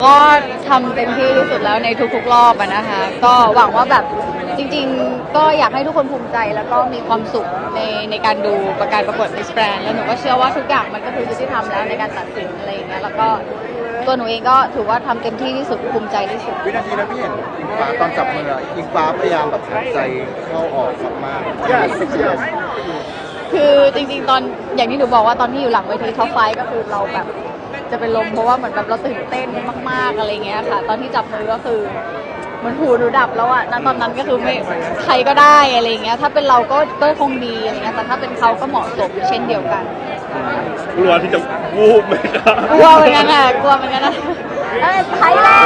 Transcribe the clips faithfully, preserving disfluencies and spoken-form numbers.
ก็ทำเต็มที่ที่สุดแล้วในทุกๆรอบอะนะคะก็หวังว่าแบบจริงๆก็อยากให้ทุกคนภูมิใจแล้วก็มีความสุขในในการดูประการประกวด Miss Grand แล้วหนูก็เชื่อว่าทุกอย่างมันก็คือยุติธรรมแล้วในการตัดสินอะไรอย่างเงี้ยแล้วก็ตัวหนูเองก็ถือว่าทำเต็มที่ที่สุดภูมิใจที่สุดวินาทีนั้นพี่เห็นอิงฟ้าตอนจับมืออิงฟ้าพยายามแบบหายใจเข้าออกมากๆคือจริงๆตอนอย่างที่หนูบอกว่าตอนที่อยู่หลังเวทีท็อปไฟก็คือเราแบบจะเป็นลมเพราะว่าเหมือนแบบเราตื่นเต้นมากๆอะไรเงี้ยค่ะตอนที่จับมือก็คือเหมือนหูหนูดับแล้วอะณตอนนั้นก็คือไม่ใครก็ได้อะไรเงี้ยถ้าเป็นเราก็ก็คงดีอะไรเงี้ยแต่ถ้าเป็นเขาก็เหมาะสมเช่นเดียวกันกลัวที่จะวูบไหมครับกลัวเหมือนกันอะกลัวเหมือนกันนะเอ้ยไทยแลนด์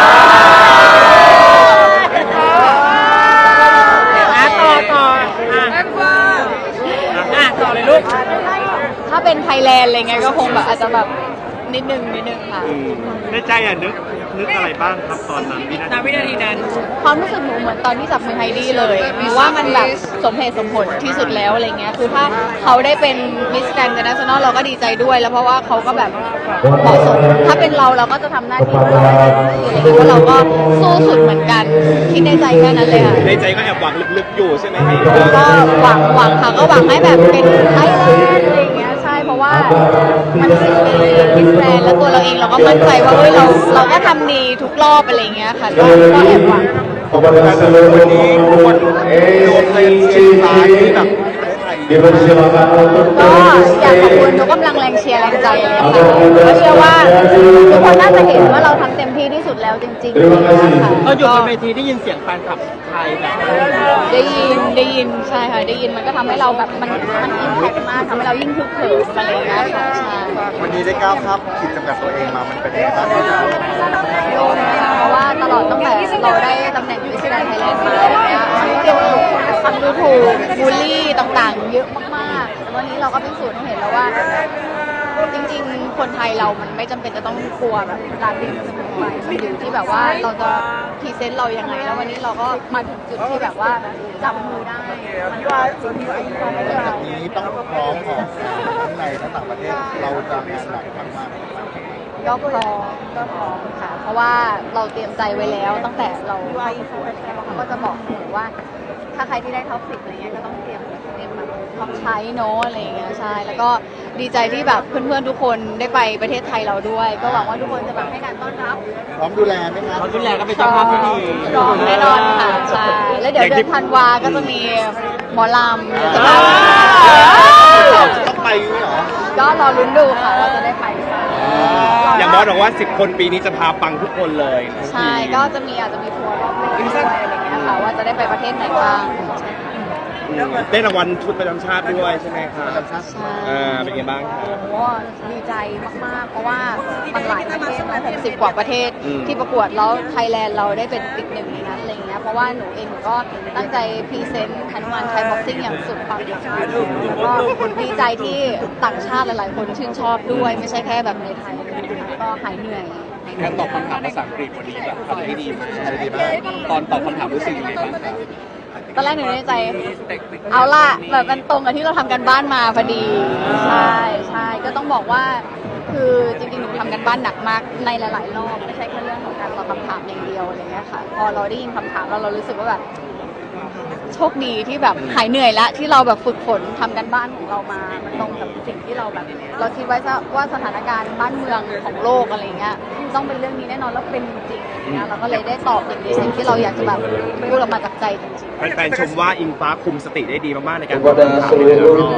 ต่อต่ออ่ะอ่ะต่อเลยลูกถ้าเป็นไทยแลนด์อะไรเงี้ยก็คงแบบอาจจะแบบนิดนึงนิดนึงค่ะในใจอ่ะนึกนึกอะไรบ้างครับตอนนั้นวินาทีวินาทีนั้นความรู้สึกหนูเหมือนตอนที่จับมือไฮดี้เลยหนูว่ามันแบบสมเหตุสมผลที่สุดแล้วอะไรเงี้ยคือถ้าเขาได้เป็นมิสแกรนด์อินเตอร์เนชั่นแนลเราก็ดีใจด้วยแล้วเพราะว่าเขาก็แบบเหมาะสมถ้าเป็นเราเราก็จะทำหน้าที่ของเราอะไรเงี้ยเพราะเราก็สู้สุดเหมือนกันคิดในใจแค่นั้นเลยค่ะในใจก็แอบหวังลึกๆอยู่ใช่ไหมก็หวังหวังค่ะก็หวังให้แบบเป็นไทยแลนด์อะไรเงี้ยใช่เพราะว่ามันคือมิสแกรนด์แล้วตัวเราเองเราก็มั่นใจว่าเฮ้ยเราเราก็ทำดีทุกรอบอะไรเงี้ยค่ะก็ก็แอบหวังวันนี้คนโดนเลยเชียร์ฟ้าที่แบบก็อยากขอบคุณทุกกำลังแรงเชียร์แรงใจเลยค่ะก็เชื่อว่าทุกคนน่าจะเห็นว่าเราทำเต็มที่ที่สุดแล้วจริงๆค่ะก็อยู่บนเวทีได้ยินเสียงแฟนคลับไทยแบบได้ยินได้ยินใช่ค่ะได้ยินมันก็ทำให้เราแบบมันมันอิมแพคมากทำให้เรายิ่งคึกเขิมอะไรอย่างเงี้ยค่ะใช่วันนี้ได้ก้าวข้ามขีดจำกัดตัวเองมามันเป็นยังไงบ้างโดนเพราะว่าตลอดตั้งแต่เราได้ตำแหน่งมิสแกรนด์ไทยแลนด์มาอะไรเงี้ยมันเกี่ยวกับคำดูถูกบูลลี่ต่างๆเยอะมากๆแต่วันนี้เราก็พิสูจน์ให้เห็นแล้วว่าจริงๆคนไทยเรามันไม่จำเป็นจะต้องกลัวแบบการบินเสมอไปมันอยู่ที่แบบว่าเราจะพรีเซนต์เรายังไงแล้ววันนี้เราก็มาถึงจุดที่แบบว่าจับมือได้มันก็สิ่งที่เราต้องให้เราทีนี้ต้องพร้อมของทั้งในและต่างประเทศเราจะงานหนักมากก็พร้อมก็พร้อมค่ะเพราะว่าเราเตรียมใจไว้แล้วตั้งแต่เราเข้าสู่อะไรเงี้ยเขาก็จะบอกเสมอว่าถ้าใครที่ได้ท็อปสิบอะไรเงี้ยก็ต้องเตรียมเตรียมแบบพร้อมใช้โน้อะไรเงี้ยใช่แล้วก็ดีใจที่แบบเพื่อนๆทุกคนได้ไปประเทศไทยเราด้วยก็หวังว่าทุกคนจะแบบให้การต้อนรับพร้อมดูแลไหมคะพร้อมดูแลก็เป็นเจ้าภาพที่ดีพร้อมแน่นอนค่ะใช่แล้วเดี๋ยวเดือนธันวาก็จะมีหมอลำเดี๋ยวจะมาต้องไปเหรอก็รอลุ้นดูค่ะว่าจะได้ไปหรือเปล่าอย่างบอสบอกว่าสิบคนปีนี้จะพาปังทุกคนเลยใช่ก็จะมีอาจจะมีทัวร์รอบโลกด้วยอะไรเงี้ยค่ะว่าจะได้ไปประเทศไหนบ้างได้รางวัลชุดประจำชาติด้วยใช่ไหมคะใช่อ่าเป็นไงบ้างคะโอ้ดีใจมากๆเพราะว่ามันหลายประเทศนะหกสิบกว่าประเทศที่ประกวดแล้วไทยแลนด์เราได้เป็นติดหนึ่งในนั้นอะไรเงี้ยเพราะว่าหนูเองหนูก็ตั้งใจพรีเซนต์ฮนุมานไทยบ็อกซิ่งอย่างสุดความสามารถแล้วก็ดีใจที่ต่างชาติหลายๆคนชื่นชอบด้วยไม่ใช่แค่แบบในไทยก็หายเหนื่อยการตอบคำถามภาษาอังกฤษวันนี้แบบทำได้ดีมากตอนตอบคำถามรู้สึกยังไงบ้างครับตอนแรกหนูในใจเอาล่ะแบบมันตรงกับที่เราทำกันบ้านมาพอดีใช่ใช่ก็ต้องบอกว่าคือจริงๆหนูทำกันบ้านหนักมากในหลายๆรอบไม่ใช่แค่เรื่องของการตอบคำถามอย่างเดียวอะไรเงี้ยค่ะพอเราได้ยินคำถามเราเรารู้สึกว่าแบบโชคดีที่แบบหายเหนื่อยแล้วที่เราแบบฝึกฝนทำกันบ้านของเรามามันตรงกับสิ่งที่เราแบบเราคิดไว้ว่าสถานการณ์บ้านเมืองของโลกอะไรเงี้ยต้องเป็นเรื่องนี้แน่นอนแล้วเป็นจริงๆนะเราก็เลยได้ตอบในสิ่งที่เราอยากจะแบบพูดออกมาจากใจจริงๆแฟนๆชมว่าอิงฟ้าคุมสติได้ดีมากๆในการตอบคำถามในแต่ละรอบ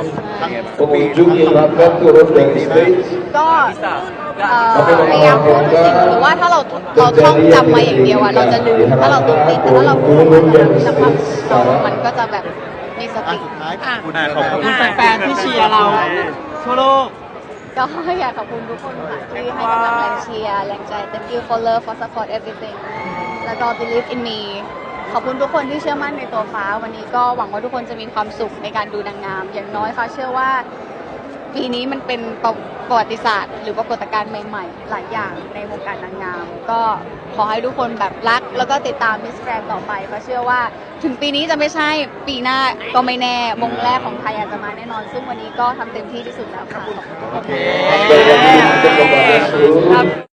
ก็พยายามพูดสิ่งหรือว่าถ้าเราเราท่องจำมาอย่างเดียวอะเราจะลืมถ้าเราต้องติดแต่ถ้าเราพูดมันจะแบบมันก็จะแบบมีสติสุดท้ายขอบคุณแฟนๆที่เชียร์เราทั่วโลกก็อยากขอบคุณทุกคนค่ะที่ให้กำลังแรงเชียร์แรงใจ thank you for love for support everything แล้วก็ believe in me ขอบคุณทุกคนที่เชื่อมั่นในตัวฟ้าวันนี้ก็หวังว่าทุกคนจะมีความสุขในการดูนางงามอย่างน้อยค่ะเชื่อว่าปีนี้มันเป็นประวัติศาสตร์หรือปรากฏการณ์ใหม่ๆหลายอย่างในวงการนางงามก็ขอให้ทุกคนแบบรักแล้วก็ติดตามมิสแกรนด์ต่อไปเพราะเชื่อว่าถึงปีนี้จะไม่ใช่ปีหน้าก็ไม่แน่มงแรกของไทยอาจจะมาแน่นอนซึ่งวันนี้ก็ทำเต็มที่ที่สุดแล้วค่ะ